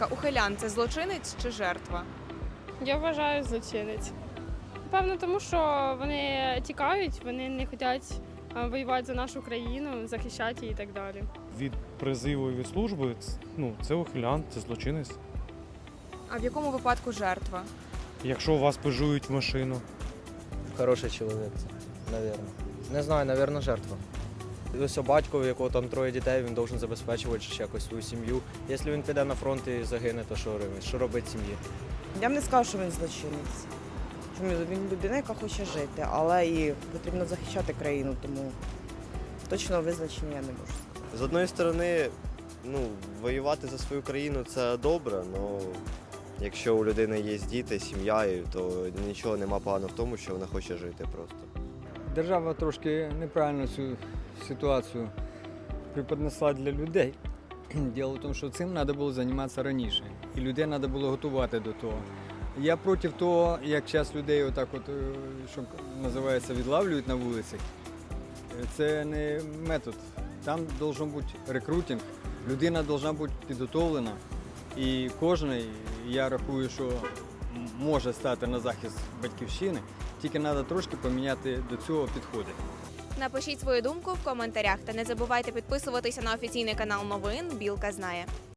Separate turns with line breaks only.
Ухилян – це злочинець чи жертва?
Я вважаю злочинець. Певно, тому що вони тікають, вони не хочуть воювати за нашу країну, захищати її і так далі.
Від призиву і від служби це ухилян, це злочинець.
А в якому випадку жертва?
Якщо вас пижують в машину.
Хороший чоловік, навірно. Не знаю, навірно, жертва. Ось батько, у якого там 3 дітей, він повинен забезпечувати якось свою сім'ю. Якщо він піде на фронт і загине, то що робить сім'ї?
Я б не сказав, що він злочинець. Чому він людина, яка хоче жити, але і потрібно захищати країну, тому точного визначення я не можу сказати.
З одної сторони, воювати за свою країну це добре, але якщо у людини є діти, сім'я, то нічого нема поганого в тому, що вона хоче жити просто.
Держава трошки неправильно цю ситуацію преподнесла для людей. Діло в тому, що цим треба було займатися раніше. І людей треба було готувати до того. Я проти того, як зараз людей отак от, що називається, відлавлюють на вулицях. Це не метод. Там має бути рекрутинг, людина має бути підготовлена. І кожен, я рахую, що може стати на захист батьківщини, тільки треба трошки поміняти до цього підходи.
Напишіть свою думку в коментарях та не забувайте підписуватися на офіційний канал новин «Білка знає».